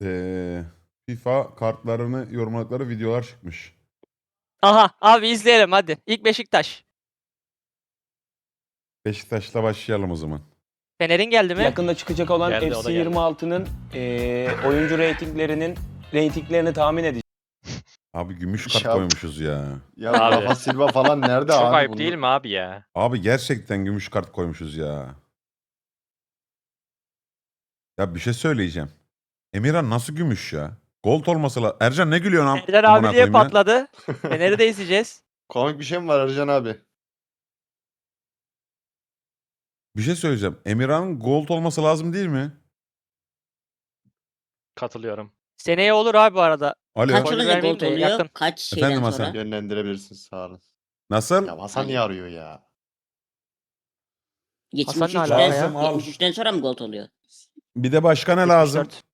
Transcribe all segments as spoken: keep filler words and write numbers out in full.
Ee, FIFA kartlarını yorumladıkları videolar çıkmış. Aha abi izleyelim hadi. İlk Beşiktaş. Beşiktaş'la başlayalım o zaman. Fener'in geldi mi? Yakında çıkacak olan Geldi, o da F C geldi. yirmi altının eee oyuncu reytinglerinin reytinglerini tahmin edeceğiz. Abi gümüş kart Ya- koymuşuz ya. Ya Abi. Rafa Silva falan nerede Çok abi? ayıp bunlar? değil mi abi ya? Abi gerçekten gümüş kart koymuşuz ya. Ya bir şey söyleyeceğim. Emirhan nasıl gümüş ya? Gold olması lazım. Ercan ne gülüyorsun am? Fener amına abi diye koyayım ya? patladı. Fener'i de izleyeceğiz. Komik bir şey mi var Ercan abi? Bir şey söyleyeceğim. Emirhan'ın gold olması lazım değil mi? Katılıyorum. Seneye olur abi bu arada. Alo. Kaç Oy olunca vermeyeyim gold de oluyor? yakın. Kaç şeyden Efendim sonra? Hasan? Yönlendirebilirsiniz sağ olun. Nasıl? Ya Hasan niye arıyor ya? Geçmiş Hasan ne üçten, alaka ya? Lazım, al. yetmiş üçten sonra mı gold oluyor? Bir de başka ne lazım? yetmiş dört.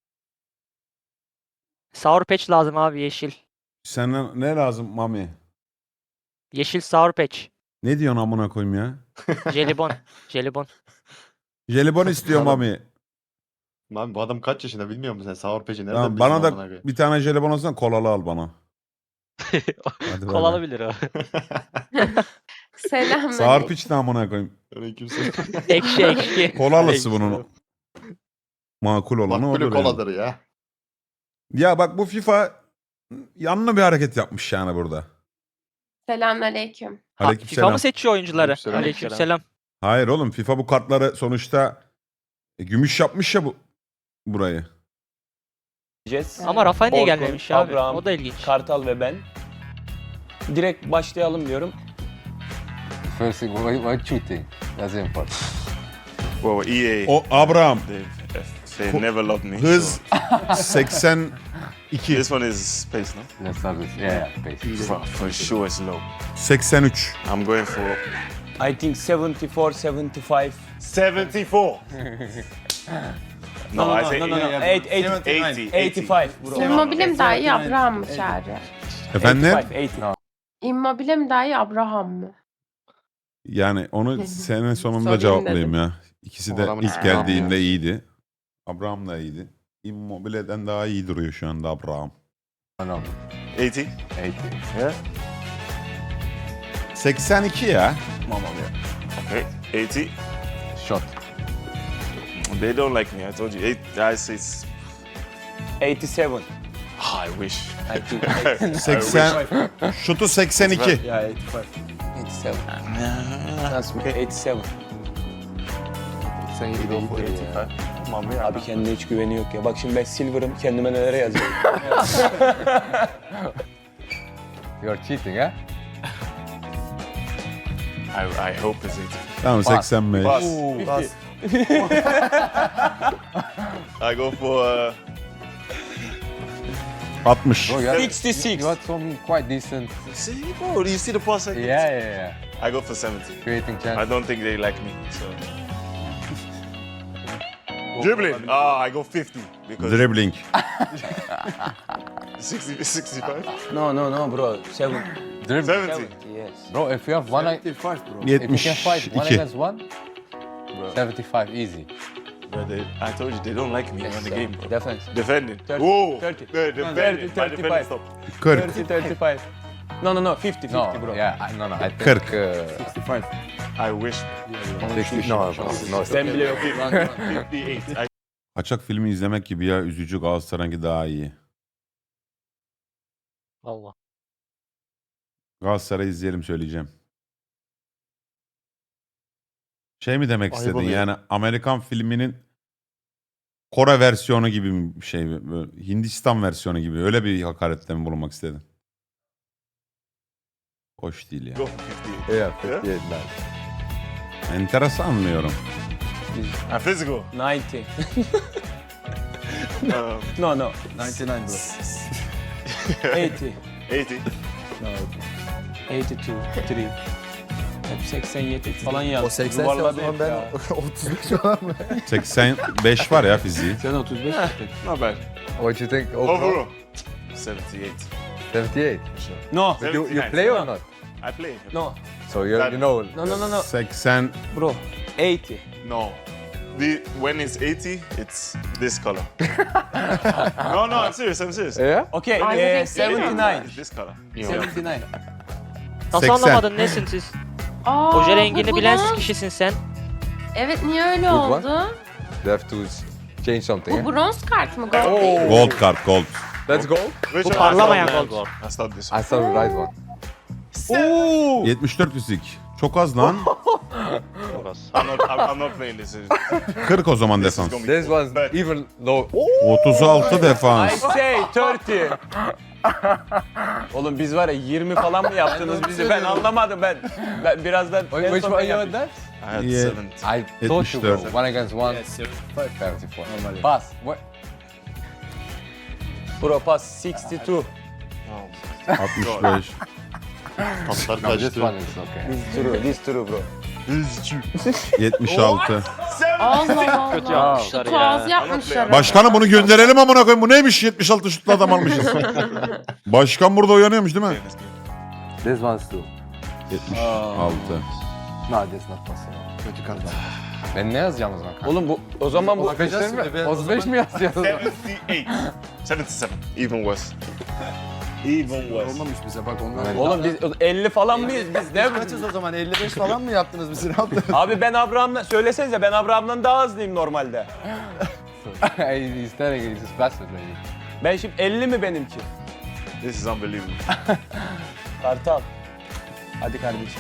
Sour Patch lazım abi yeşil. Sana ne lazım Mami? Yeşil Sour Patch. Ne diyorsun amına koyayım ya? Jelibon. Jelibon. Jelibon istiyor Adam- Mami. Lan bu adam kaç yaşında bilmiyor musun sen? Sour Patch'i nereden Tamam, bilsin bana da amına koyayım? bir tane jelibon alsana, kolalı al bana. Hadi Kol bay bay. alabilir o. Selamünaleyküm. Sağır piç ne amına koyayım. Aleykümselam. Ekşi ekşi. Kolalısı bunun. Makul olanı Makbulü odur yani. koladır ya. Ya bak bu FIFA yanlı bir hareket yapmış yani burada. Selamünaleyküm. Ha, Aleykümselam. FIFA mı seçiyor oyuncuları? Aleykümselam. Aleykümselam. Hayır oğlum, FIFA bu kartları sonuçta e, gümüş yapmış ya bu burayı. Ama Rafa niye Orkun, gelmemiş abi? Abraham, O da ilginç. Kartal ve ben. Direkt başlayalım diyorum. First thing, why, why cheating? That's important. Well, E A, O Abraham they, they Ko- never loved me. hız so- seksen iki. This one is space, no? Let's start with yeah, yeah, basic. For, for sure it's low. seksen üç. I'm going for I think seventy-four, seventy-five. seventy-four. No, no, I no, say no, no, no. eighty. Eight, eight, eighty. eighty-five bro. İmmobile mi daha iyi, Abraham mı Çağrı? Efendim? eighty-five, eighty. İmmobile mi daha iyi, Abraham mı? Yani onu sene sonunda Sorayım cevaplayayım dedim. ya. İkisi O de adamın ilk ismi geldiğinde Abraham. iyiydi. Abraham da iyiydi. Immobile'den daha iyi duruyor şu anda Abraham. No, no, eighty. eighty. Yeah. seksen iki ya. Okay. eighty. Shot. They don't like me. I told you. Eight. I say. It's, eighty-seven. oh, I wish. I think. seksen şutu seksen iki. Yeah, eighty-five. eighty-seven. That's me. eighty-seven. Sen iyi Go for eighty-five. Mommy, Abi kendine hiç güveni yok ya. Bak şimdi ben silver'ım, kendime nelere yazıyorum. You're cheating, eh? I, I hope it's eighty. Tamam seksen beş. Pass. Pass. I go for. Uh, altmış. Bro, you had, sixty-six. you had some quite decent. see, bro. Do you see the pass? I get? Yeah, yeah, yeah. I go for seventy. Creating I chance. don't think they like me. So. Dribbling. Ah, I go fifty because Dribbling. sixty, sixty-five. No, no, no bro. Seven. Dribble. seventy. seventy, yes. Bro, if you have one, if you yetmiş can fight one iki. against one, seventy-five easy. But they, I told you they don't like me in the game. Bro. Defense. Defending. thirty, Whoa. thirty. The defending. thirty, My defending thirty-five. stop. kırk. thirty, thirty-five. No, no, no. fifty, No, fifty bro. yeah, I, no, no. I think kırk. Uh, I wish. sixty. No, no, no. Sen bile yok. fifty-eight. I Kaçak filmi izlemek gibi ya, üzücü. Galatasaray'ınki daha iyi. Allah. Galatasaray izleyelim, söyleyeceğim. Şey mi demek Ayıp istedin oluyor. yani, Amerikan filminin Kore versiyonu gibi bir şey, böyle Hindistan versiyonu gibi, öyle bir hakarette mi bulunmak istedin? Hoş değil ya. go for fifty-eight. Yeah, fifty-eight, nice. Enteresan anlıyorum. I'm physical. ninety. Um, No, no. ninety-nine bro. eighty. eighty. No. eighty-two, three. Hep seksen yedi falan yazdı. O seksen o Yuvarladı zaman hep ben ya. otuz beş falan mı? seksen beş var ya fiziği. Sen otuz beş Not bad. What you think overall? Overall. seventy-eight. seventy-eight. No. You, you seventy-nine. play or not? I play. No. So you, you know. No, no, no, no. seksen Bro. eighty. No. the when it's eighty, it's this color. no, no, I'm serious. I'm serious. Yeah? Okay, Aynı eh, renk değil mi? seventy nine. It's this color. seventy nine. Nasıl seksen. anlamadın nesin siz? Aa, Oje bu rengini bilen bronz. kişisin sen. Evet, niye öyle Good one. oldu? They have to change something. Bu Eh? bronz kart mı? Gold değil. mi? Gold kart gold. Let's go. Which Bu one? parlamayan I thought- gold. I thought this one. I saw the right one. yetmiş dört fizik. Çok az lan. I'm not, I'm, I'm not playing this. kırk o zaman This is defans. gonna be This one's bad. even low. otuz altı I defans. say thirty. Oğlum biz var ya yirmi falan mı yaptınız bizi? Ben anlamadım ben. Ben birazdan Wait, en which son one ben you yapayım. had that? I had Yeah. seventy. I told you bro. yetmiş dört. One against one. seventy-four. Pass. What? Pro pass sixty two. altmış beş. Tatlar No, this kaçtı. one is okay. This true, this true bro. yetmiş altı. Allah Allah. Kötü yapmışlar Şutu ya. az yapmışlar. Başkanım bunu gönderelim amına koyayım. Bu neymiş yetmiş altı şutlu adam almışız. Başkan burada uyanıyormuş değil mi? This one's two. yetmiş altı. No, this not possible. Kötü kart. Ben ne yazacağım o zaman? Oğlum bu o zaman bu otuz beş mi? otuz beş mi yazacağız? seventy-eight. seventy-seven. Even worse. Even worse. Olmamış bize bak onlar. oğlum biz elli falan mıyız biz ne? Kaçız o zaman? elli beş falan mı yaptınız bizi? Ne yaptınız? Abi ben Abraham'la söylesenize ben Abraham'dan daha hızlıyım normalde. He's telling you he's faster than you. Ben şimdi elli mi benimki? This is unbelievable. Kartal. Hadi kardeşim.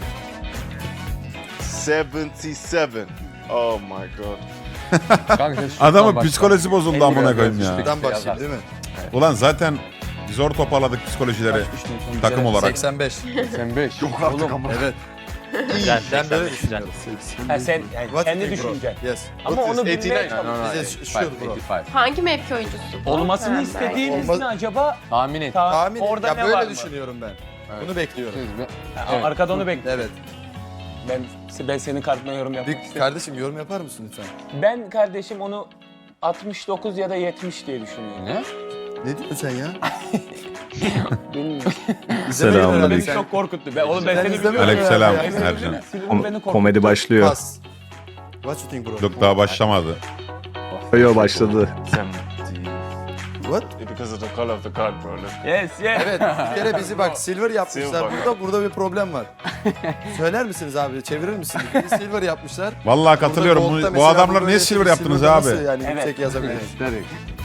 seventy-seven. Oh my god. Kanka, sen şuttan Adamın başla. psikolojisi bozuldu amına koyayım ya. Şuradan başlayayım değil mi? Ulan zaten zor toparladık psikolojileri takım olarak. seksen beş. seksen beş. Oğlum Evet. Güzel. Ben böyle güzel. düşünüyorum. ha, sen yani What kendi you think, bro? düşüncen. Yes. Ama What is onu bilmeye eighty-nine? No, no, no. Bize şu- şu eighty-five, bro. eighty-five. Hangi mevki oyuncusu bu? Olmasını Ha, istediğimiz Olmaz- ne acaba? Tahmin et. Ta- Tahmin orada ya ne böyle var mı? düşünüyorum ben. Evet. Bunu bekliyorum. Ha, Arkada onu bekliyorum. Evet. Ben, ben senin kartına yorum yapmak Bir istiyorum. kardeşim yorum yapar mısın lütfen? Ben kardeşim onu altmış dokuz ya da yetmiş diye düşünüyorum. Ne? Ne diyorsun sen ya? Bilmiyorum. Selamünaleyküm. Beni çok korkuttu. Ben, oğlum ben Sen seni izlemiyorsun biliyorum. Aleykümselam ya. Ercan. Silver beni korkuttu. Komedi başlıyor. Pas. What you think bro? Yok daha başlamadı. Yo başladı. seventy. What? Because of the color of the card, bro. Look. Yes, yes. Evet bir kere bizi bak silver yapmışlar Silver. burada. Burada bir problem var. Söyler misiniz abi? Çevirir misiniz? Bir silver yapmışlar. Vallahi katılıyorum. Burada Bu, gold'da bu mesela adamlar bu niye böyle silver bir yaptınız silver'da abi? Nasıl yani Evet. yüksek yazabiliriz? Aesthetic.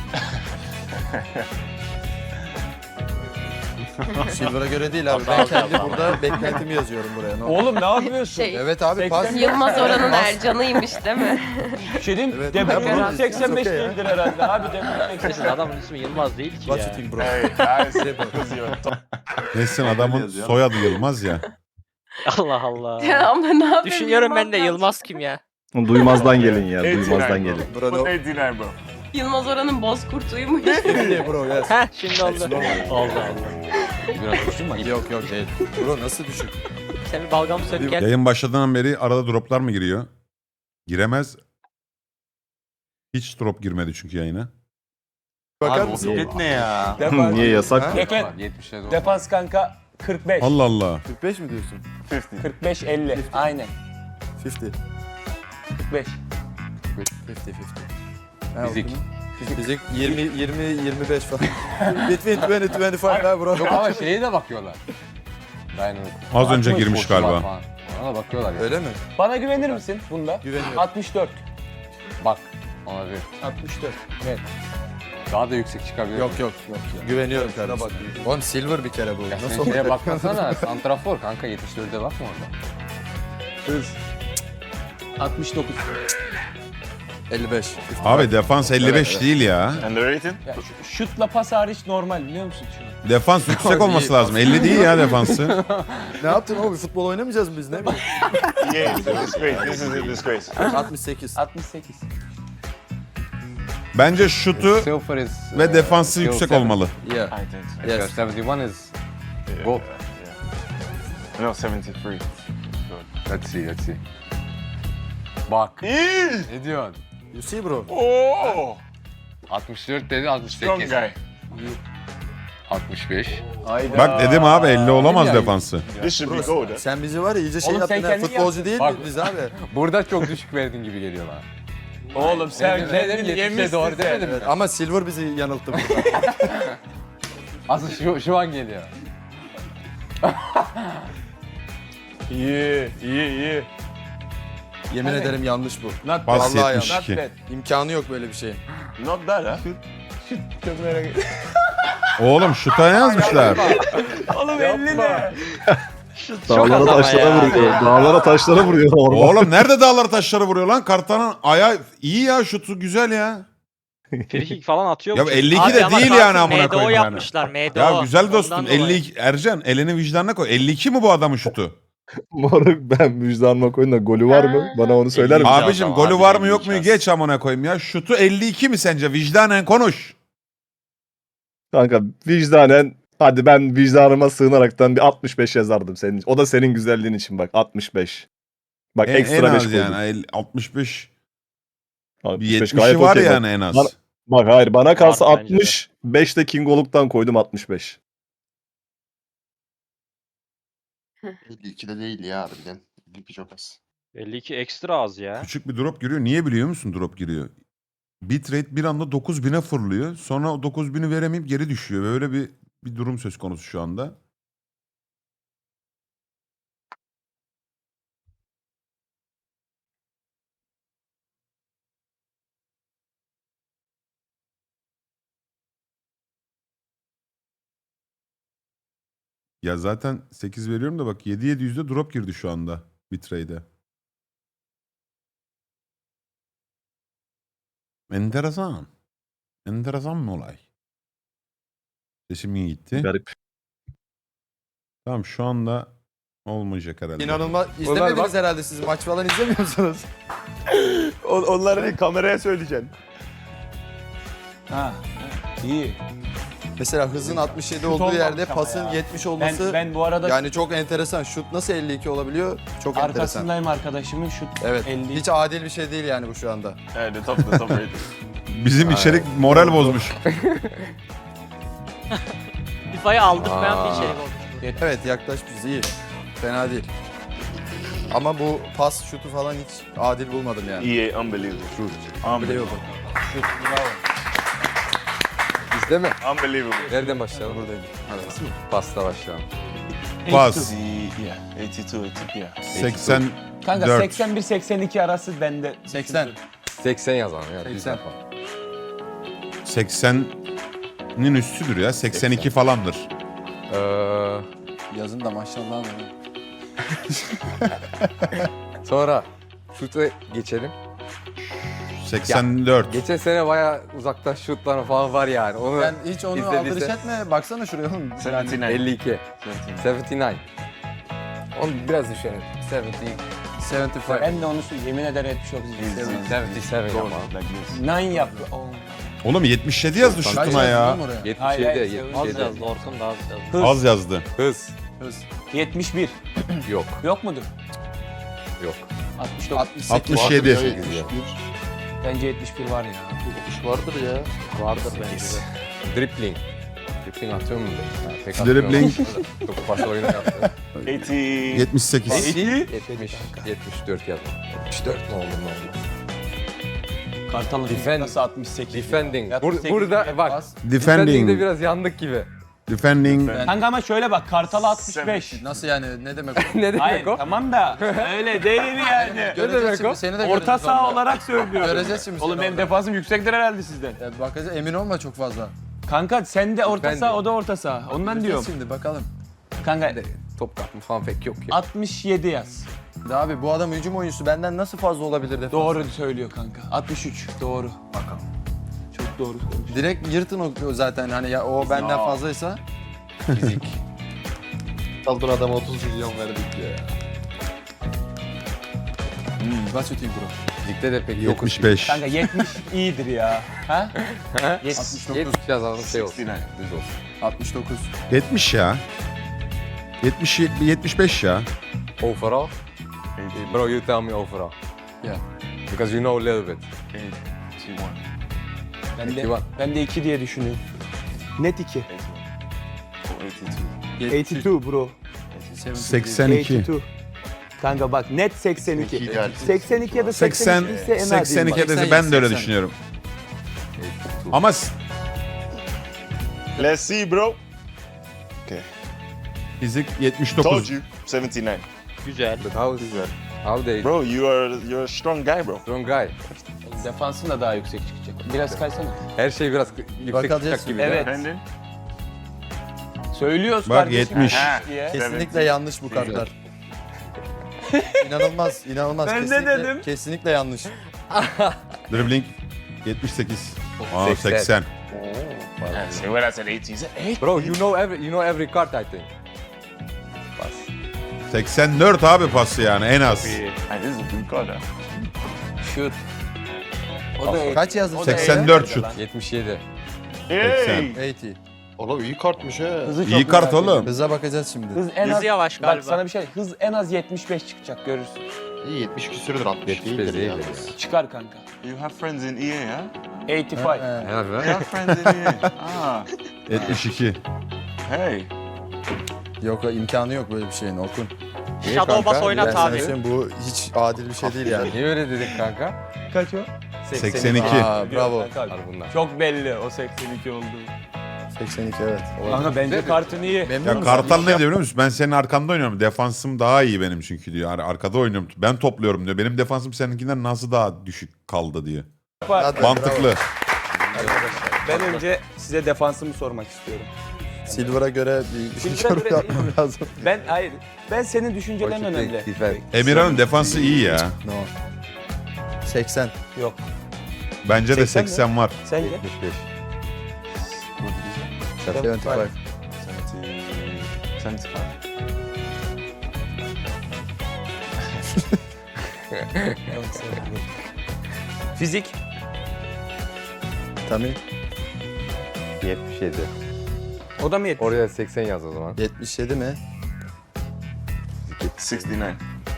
Silver'a göre değil abi. Ben kendi burada beklentimi yazıyorum buraya. Ne olur. Oğlum ne yapıyorsun? Şey, Evet abi pas. seksen Yılmaz Oran'ın Ercan'ıymış değil mi? Bir şey diyeyim mi? Evet. Demek Ben bunu- seksen beş Okey ya. değildir herhalde abi. Demek Kesin adamın ismi Yılmaz değil ki What you ya. think bro? Hey, guys. Because you're top. Nesin adamın soyadı Yılmaz ya. Allah Allah. Ama ne yapayım? Düşünüyorum ben de Yılmaz- Yılmaz kim ya? Duymazdan gelin ya. eighty-nine, Duymazdan bro. gelin. Bro Put no. eighty-nine, bro. Yılmaz Oran'ın bozkurtuymuş. Ne bro yes. Heh şimdi oldu. Oldu oldu. Biraz düştün mü? Yok yok değil. Bro nasıl düşük? Sen bir balgam sök gel. Yayın başladığından beri arada droplar mı giriyor? Giremez. Hiç drop girmedi çünkü yayına. Bakar Abi, mısın? o- ne ya? Defans, Niye yasak? Ha? Defans, yetmişe doğru. defans kanka kırk beş. Allah Allah. kırk beş mi diyorsun? fifty. kırk beş elli. Aynen. elli. kırk beş. elli elli. Ha, Fizik. okudum. Fizik yirmi yirmi yirmi beş falan. Between yirmi yirmi beş ha bro. Yok ama şeye de bakıyorlar. Ben Az önce altmış, girmiş otuz var galiba. falan. Ona da bakıyorlar ya. Öyle mi? Bana güvenir misin bunda? Güveniyorum. altmış dört. Bak. Ona bir. altmış dört. Evet. Daha da yüksek çıkabilir. Yok yok yok. Güveniyorum kardeşim. Oğlum silver bir kere bu. Ya Nasıl sen olur? şeye bakmasana. Santrafor kanka yetmiş dörde bakma orada. Hız. altmış dokuz. elli beş. Abi defans elli beş Evet, evet. değil ya. And the rating? Ya, şu- şutla pas hariç normal biliyor musun şunu? Defans yüksek olması lazım. elli değil ya defansı. Ne yaptın oğlum? Futbol oynamayacağız mı biz ne bileyim? Yeah, it's a disgrace. This is a disgrace. altmış sekiz. altmış sekiz. Bence şutu Silver is... ve uh, defansı still yüksek seven. olmalı. Yeah. I think so. Because Yes. seventy-one is Yeah, gold. yeah. No, seventy-three. Let's see, let's see. Bak. Ne diyorsun? You see bro. Oh! altmış dört dedi, altmış Strong sekiz. guy. altmış beş. Hayda. Bak dedim abi elli olamaz Ya. defansı. This should be gold. eh? Sen bizi var ya iyice şey Oğlum sen yaptın ha. kendin Futbolcu yaptın. değil Bak. miyiz biz abi? Burada çok düşük verdin gibi geliyor bana. Oğlum sen Ne dedim? kendini yetmişe yemişsin doğru sen. demedim mi? Ama Silver bizi yanılttı burada. Asıl şu, şu an geliyor. İyi, iyi, iyi. Yemin Hani- ederim yanlış bu. Not Bas Vallahi yetmiş Not iki. bad. İmkanı yok böyle bir şey. Not bad, huh? Çok merak ettim. Oğlum şuta yazmışlar. Oğlum elli ne? Dağlara az ama taşlara ya. vuruyor. Dağlara taşlara vuruyor orman. Oğlum nerede dağlar taşları vuruyor lan? Kartanın ayağı iyi ya, şutu güzel ya. Frikik falan atıyor. Ya bu elli iki çocuk. de Abi ama değil kartı yani amına M D O koyayım yani. yapmışlar M D O. Ya güzel dostum Ondan dolayı. elli iki Ercan elini vicdanına koy. elli iki mi bu adamın şutu? Moruk ben vicdanıma koyun da golü var mı? Bana onu söyler misin? Abicim adam, golü abi var mı elli yok iki mu az. geç amına koyayım ya. Şutu elli iki mi sence? Vicdanen konuş. Kanka vicdanen hadi ben vicdanıma sığınaraktan bir altmış beş yazardım senin. O da senin güzelliğin için bak altmış beş. Bak En, ekstra en beş az koydum. yani el- altmış beş. Bir altmış beş yetmişi gayet var okey bak. yani en az. Bana- Bak hayır bana kalsa Var bence de. altmış. beş de King Oluk'tan koydum altmış beş. elli iki de değil ya harbiden. elli iki çok az. elli iki ekstra az ya. Küçük bir drop giriyor. Niye biliyor musun drop giriyor? Bitrate bir anda dokuz bine fırlıyor. Sonra o dokuz bini veremeyip geri düşüyor. Böyle bir bir durum söz konusu şu anda. Ya zaten sekiz veriyorum da bak yedi yedi yüzde drop girdi şu anda bitrate'e. Enteresan. Enteresan bir olay. Sesim iyi gitti. Garip. Tamam şu anda olmayacak herhalde. İnanılmaz. İzlemediniz bak- herhalde siz. Maç falan izlemiyor musunuz? On, onları kameraya söyleyeceksin. Ha, iyi. Mesela hızın altmış yedi Şut olduğu olmamış yerde ama pasın ya. yetmiş Ben, olması ben bu arada yani çok enteresan. Şut nasıl elli iki olabiliyor? Çok enteresan. arkasındayım arkadaşımın şut Evet. elli. Hiç adil bir şey değil yani bu şu anda. Yeah, the top, the top rated. Bizim içerik moral bozmuş. FIFA'yı aldırmayan bir Aa. içerik olmuş bu. Evet yaklaşmışız iyi. Fena değil. Ama bu pas şutu falan hiç adil bulmadım yani. E A, unbelievable. Unbelievable. Bizde mi? Unbelievable. Nereden başlayalım? Buradayım. Hadi. Pasta başlayalım. Pas. The, yeah, eighty two, eighty, yeah. seksen Kanka dört. seksen bir seksen iki arası bende. seksen. seksen yazalım ya. Biz seksen. yapalım. seksenin üstüdür ya. seksen iki falandır. Ee, Yazın da maşallah var. sonra şuta geçelim. seksen dört. Geçen sene bayağı uzaktan şutlar falan var yani. Onu Sen hiç onu İzlediyse- aldırış etme. Baksana şuraya oğlum. seventy Yani nine. elli iki. seventy nine. yetmiş dokuz. Onu biraz düşelim. yetmiş. yetmiş beş. Ben de onu söyleyeyim. Yemin ederim yetmiş dokuz. Easy. yetmiş yedi Goes ama. like this. Nine yap. Oh. Oğlum yetmiş yedi yazdı Kaç şutuna ya. yetmiş Hayır, yedi, hayır, yetmiş Az yedi. yazdı Orkun da az yazdı. Hız. Az yazdı. Hız. yetmiş bir. Yok. Yok mudur? Yok. altmış dokuz. altmış yedi. Bence yetmiş bir var ya. Vardır ya. Vardır bence de. Dribbling. Dribbling atıyor mu? Ha, pek Dribbling. atmıyorum. Çok fazla oyunu yaptı. eighty. yetmiş sekiz. yetmiş, yetmiş dört yazdım. yetmiş dört ne oldu ne oldu? Kartal'ın Defend- nasıl altmış sekiz? Defending. Altmış Bur- sekiz burada bir bak. pas. Defending'de Defending. biraz yandık gibi. Defending. Kanka ama şöyle bak Kartal altmış beş. Nasıl yani ne demek o? ne demek Hayır o? tamam da öyle değil yani. Göreceğiz demek şimdi o? seni de Orta göreceğiz saha orada. olarak söylüyorum. Göreceğiz şimdi Oğlum seni benim orada. defansım yüksektir herhalde sizden. Ya bakacağız emin olma çok fazla. Kanka sen de orta Ben de. saha o da orta saha. Ondan Göreceğiz diyorum. şimdi bakalım. Kanka Top kapma falan pek yok ya. altmış yedi yaz. Ya abi bu adam hücum oyuncusu benden nasıl fazla olabilir defans? Doğru söylüyor kanka. altmış üç doğru. Bakalım. Çok doğru söylüyor. Direkt yırtın o o zaten hani ya o benden fazlaysa. Fizik. Kaldır adama otuz milyon verdik ya. Hmm. What's your team bro? Ligde de pek yok. yetmiş beş. Kanka yetmiş iyidir ya. Ha? yetmiş yetmiş yazalım şey olsun. sixty-nine. Düz olsun. altmış dokuz. yetmiş ya. yetmiş yetmiş beş ya. Overall? Bro, you tell me overall. Yeah. Because you know a little bit. eighty-one. Ben de, İki var. ben de iki diye düşünüyorum. Net iki. eighty-one. Oh, eighty-two. eighty two bro. seksen iki. eighty two. Kanka bak net seksen iki. ideal. seksen iki ya da seksen, seksen iki ise en adil. seksen iki seksen de ben de öyle seksen. düşünüyorum. Ama s- Let's see, bro. Okay. fizik yetmiş Told dokuz. you. seventy-nine. Güzel. But how, how they Bro, you are you're a strong guy, bro. strong guy. Defansın da daha yüksek çıkacak. Biraz kaysana. Her şey biraz yüksek Bakacağız çıkacak gibi. Evet. Brandon? Söylüyoruz Bak, kardeşim. yetmiş. Ha. diye. Kesinlikle yanlış bu kartlar. İnanılmaz, inanılmaz. Ben de kesinlikle, dedim. Kesinlikle yanlış. Dribbling yetmiş sekiz. Aa seksen. seksen. Yeah, so when I said eighty, he said eight. Bro, you know every you know every card I think. Pass. seksen dört abi pası yani en az. Ah, this is a good card. huh? Şut. O da Kaç yazdın? seksen dört şut. yetmiş yedi. Hey! seksen. Oğlum iyi kartmış ha. Hızı çok İyi kart merak oğlum. ediyorum. Hıza bakacağız şimdi. Hız en Hızı az yavaş Bak galiba. sana bir şey. Hız en az yetmiş beş çıkacak görürsün. İyi yetmiş küsürdür altmış yetmiş beş değildir değil ya. ya. Çıkar kanka. You have friends in E A, huh? sekiz beş. He. Yeah, You right? have friends in E A. Ah, yetmiş iki. hey. Yok imkanı yok böyle bir şeyin Orkun. Niye Shadow kanka? Bass Ben oynat sana abi. söyleyeyim, bu hiç adil bir şey değil yani. Niye öyle dedik kanka? Kaç o? seksen iki. Aa, bravo. Var bunlar. Çok belli o seksen iki oldu. seksen iki evet. Kanka bence kartın iyi. Memnun Ya musun? Kartal ne diyor biliyor musun? Ben senin arkanda oynuyorum. Defansım daha iyi benim çünkü diyor. Ar- Arkada oynuyorum. Ben topluyorum diyor. Benim defansım seninkinden nasıl daha düşük kaldı diyor. Hadi, Mantıklı. Ben önce size defansımı sormak istiyorum. Silver'a göre bir Silver'a yorum göre yapmam lazım. Ben hayır. Ben senin düşüncelerin What you think, önemli. defense? Emirhan'ın defansı iyi ya. No. seksen. Yok. Bence de seksen mi? seksen var. Sence? yetmiş beş. yetmiş beş. seventy, seventy-five. Fizik. Tabii. yetmiş yedi. O da mı yetmiş? Oraya seksen yaz o zaman. yetmiş yedi mi? sixty-nine.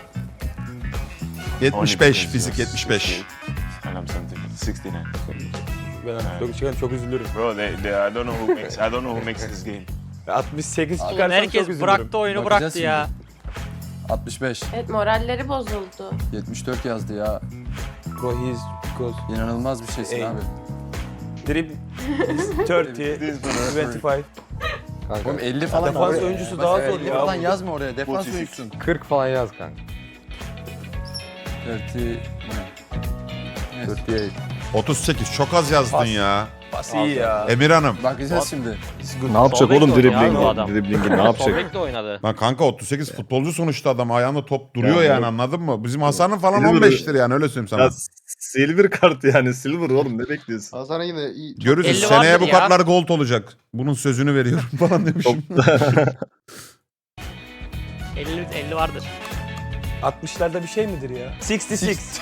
yetmiş beş. Fizik yetmiş beş. And I'm seventy. sixty-nine. Ben çok, çok, çok üzülürüm. Bro, they, they, I don't know who makes, I don't know who makes this game. altmış sekiz Ulan çıkarsam çok herkes üzülürüm. bıraktı oyunu Bakacağız bıraktı şimdi. ya. altmış beş. Evet moralleri bozuldu. yetmiş dört yazdı ya. Bro he's because İnanılmaz bir şeysin Ey. abi. dribble is thirty, twenty-five. Kanka Oğlum elli falan. Defans oraya- oyuncusu daha Mesela zor elli ya. falan yazma oraya. Defans otuz iki. oyuncusun. kırk falan yaz kanka. elli. kırk sekiz. otuz sekiz. Çok az yazdın Pas. ya. Pas iyi ya. Emir Hanım. Bakacağız şimdi. Ne yapacak Sol bek oğlum oynuyor abi bu driblingi? adam. Driblingi ne Sol yapacak? bekle oynadı. Lan kanka otuz sekiz futbolcu sonuçta adam. Ayağında top duruyor Ya, yani bu- anladın mı? Bizim Hasan'ın falan Silver- on beştir yani öyle söyleyeyim sana. Ya silver kart yani silver oğlum ne bekliyorsun? Hasan'a yine iyi. Görürsün elli seneye vardır bu ya. kartlar gold olacak. Bunun sözünü veriyorum falan demişim. elli elli vardır. altmışlarda bir şey midir ya? altmış altı.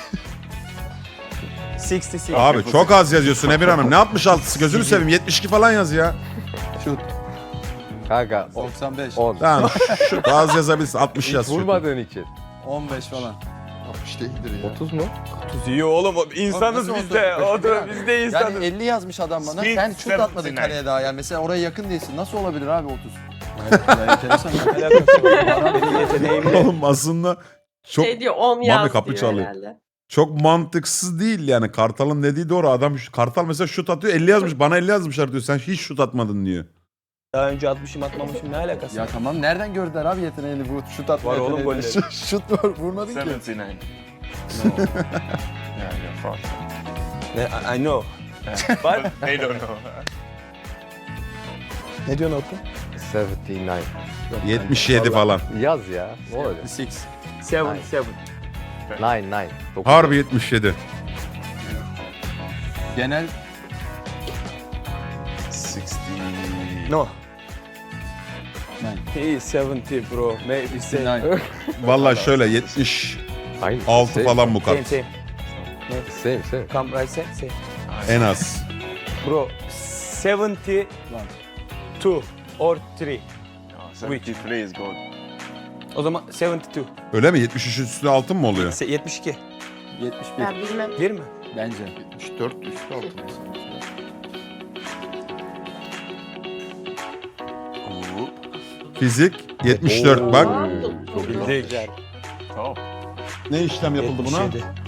altmış altı. Abi çok az yazıyorsun Emir Hanım. Ne altmış altısı gözünü seveyim. yetmiş iki falan yaz ya. Şut. Kanka doksan beş. on. Tamam şu az yazabilirsin. altmış Hiç yaz. şurada. vurmadığın için. on beş falan. altmış değildir ya. otuz mu? otuz iyi oğlum. İnsanız Nasıl biz de. oldu? O da biz de insanız. Yani elli yazmış adam bana. Speed Sen şut atmadın seventy-nine. kaleye daha. Yani mesela oraya yakın değilsin. Nasıl olabilir abi otuz? Ya enteresan ya. Alakası yok. Benim yeteneğimle. Oğlum aslında çok Şey diyor on Mami yaz kapı diyor çalıyor. herhalde. çok mantıksız değil yani. Kartal'ın dediği doğru. Adam Kartal mesela şut atıyor. elli yazmış. Bana elli yazmışlar diyor. Sen hiç şut atmadın diyor. Daha önce atmışım atmamışım ne alakası Ya var? tamam nereden gördüler abi yeteneğini bu şut atma Var oğlum yeteneğini. golleri. Şut- Şut var vurmadın ki. seventy-nine. No. Yeah, you're fraud. Ne, I know. But they don't know. Ne diyorsun Orkun? yetmiş dokuz. yetmiş yedi falan. Yaz ya. Ne olacak? altmış altı. seven, Nice. seven. dokuz, dokuz. Harbi yetmiş yedi. Genel sixty. No. He is seventy bro. Maybe say. nine. Vallahi şöyle yetmiş Aynı. altı Same, falan bu Same kart. same. Same same. Come right side same. En az. Bro seventy two or three. No, seventy-three is gold. O zaman seventy two. Öyle mi? yetmiş üç üstü altın mı oluyor? Se- yetmiş iki. yetmiş bir Ben bilmem. Bir mi? bence. yetmiş dört üstü altı mesela. Fizik yetmiş dört bak. Çok Bildik. güzel. Oh. Ne işlem yapıldı buna? yetmiş yedi.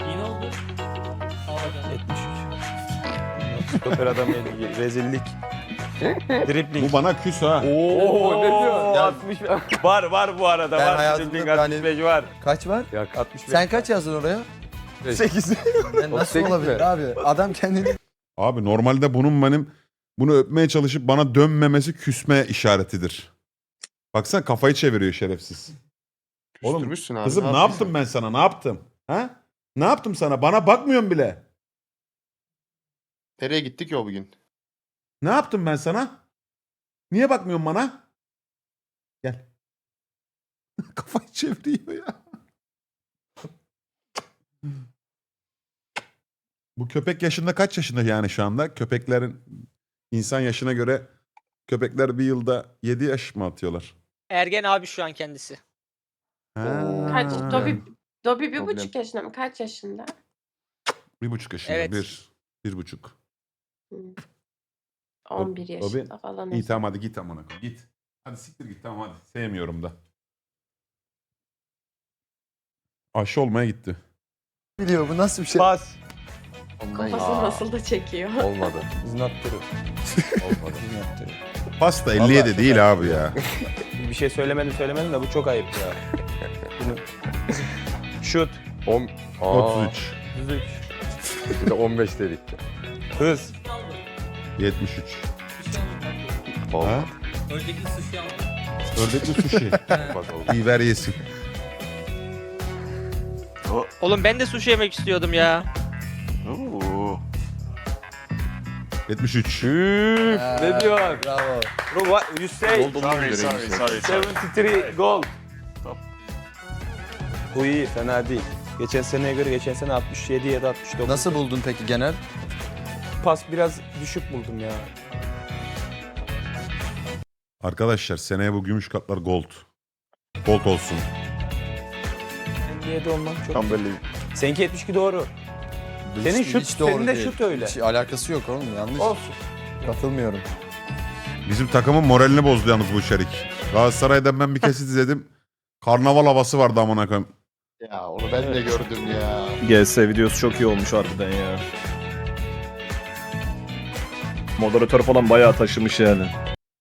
yetmiş üç. Stoper adam yedi. Rezillik. Dribbling. Bu bana küs ha. Oo, ne diyor? Ya- altmış var var bu arada Ben var. hayatımda Dribbling yani- altmış beş var. Kaç var? Yok altmış beş. Sen kaç yazdın oraya? sekiz. Ben nasıl sekiz olabilir mi? abi? Adam kendini... Abi normalde bunun benim bunu öpmeye çalışıp bana dönmemesi küsme işaretidir. Baksana kafayı çeviriyor şerefsiz. Oğlum, Küstürmüşsün abi. Kızım ne yaptım ben sana? Ne yaptım? Ha? Ne yaptım sana? Bana bakmıyorsun bile. Nereye gittik ya o bugün? Ne yaptım ben sana? Niye bakmıyorsun bana? Gel. Kafayı çeviriyor ya. Bu köpek yaşında kaç yaşında yani şu anda? Köpeklerin insan yaşına göre köpekler bir yılda yedi yaş mı atıyorlar? Ergen abi şu an kendisi. Ha. Kaç? Dobby, Dobby bir Problem. buçuk yaşında mı? Kaç yaşında? Bir buçuk yaşında. Evet. Bir. Bir buçuk. Hı. on bir Dobby- yaşında falan. İyi tamam hadi git amına koy. Git. Hadi siktir git tamam hadi. Sevmiyorum da. Aşı olmaya gitti. Biliyor bu nasıl bir şey? Pas. Ondan Kafası ya. nasıl da çekiyor. Olmadı. Is not true. Olmadı. Is not true. Pasta elli yedi Vallahi değil abi ya. Bir şey söylemedim söylemedim de bu çok ayıp ya. Bunu... Şut. On, Aa, otuz üç. otuz üç. Bir de on beş dedik. Hız. yetmiş üç. Olmadı. Ha? Ördekli sushi. Bak oldu. İyi ver yesin. Oğlum ben de sushi yemek istiyordum ya. Oo. yetmiş üç. Üf, ne diyor? Bravo. Bro, what you say? Sorry, sorry, sorry, sorry. yetmiş üç gol. Bu iyi, fena değil. Geçen seneye göre geçen sene altmış yedi ya da altmış dokuz. Nasıl buldun peki genel? Pas biraz düşük buldum ya. Arkadaşlar seneye bu gümüş katlar gold. Gold olsun. N B A'de olmam çok. Can't believe. Seninki yetmiş iki doğru. Senin şut- senin de şut öyle. Hiç alakası yok oğlum yanlış. Olsun. Katılmıyorum. Bizim takımın moralini bozdu yalnız bu içerik. Galatasaray'dan ben bir kesit izledim. Karnaval havası vardı amına koyayım. Ya onu ben de gördüm ya. G S videosu çok iyi olmuş harbiden ya. Moderatör falan bayağı taşımış yani.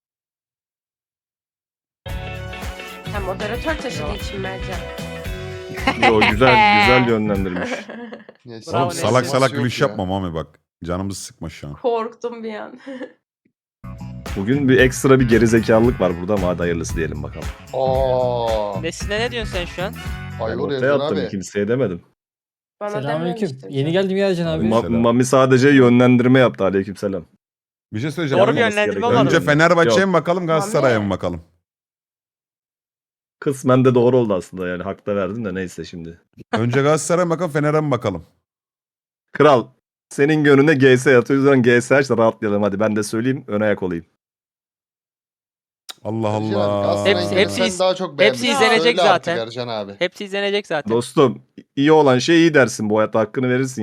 Ha, moderatör taşıdığı için Mercan. Yo, güzel güzel yönlendirmiş. Neyse. Bravo, Oğlum neyse. salak salak Yok gülüş ya. yapma Mami bak. Canımızı sıkma şu an. Korktum bir an. Bugün bir ekstra bir gerizekalılık var burada ama hadi hayırlısı diyelim bakalım. Aa, Nesine ne diyorsun sen şu an? Ben Ayvur ortaya yazdın attım abi. kimseye demedim. Bana Selamünaleyküm. dememiştin. Yeni geldim ya Can abi. Ma- Selam. Mami sadece yönlendirme yaptı aleykümselam. Bir şey söyleyeceğim. Doğru bir Yapmaması yönlendirme gereken- olmadı. Önce Fenerbahçe'ye Yok. mi bakalım Galatasaray'a Mami. mı bakalım? Kısmen de doğru oldu aslında yani hak da verdim de neyse şimdi. Önce Galatasaray'a mı bakalım Fener'e mi bakalım? Kral senin gönlüne G S yatıyor o yüzden G S aç da rahatlayalım hadi ben de söyleyeyim ön ayak olayım. Allah Ercan abi, Allah. Galatasaray'ın Hepsi- yerini hepsi- sen daha çok beğendin. hepsi izlenecek Söyle artık zaten. Ercan abi. Hepsi izlenecek zaten. Dostum iyi olan şey iyi dersin bu hayatta hakkını verirsin.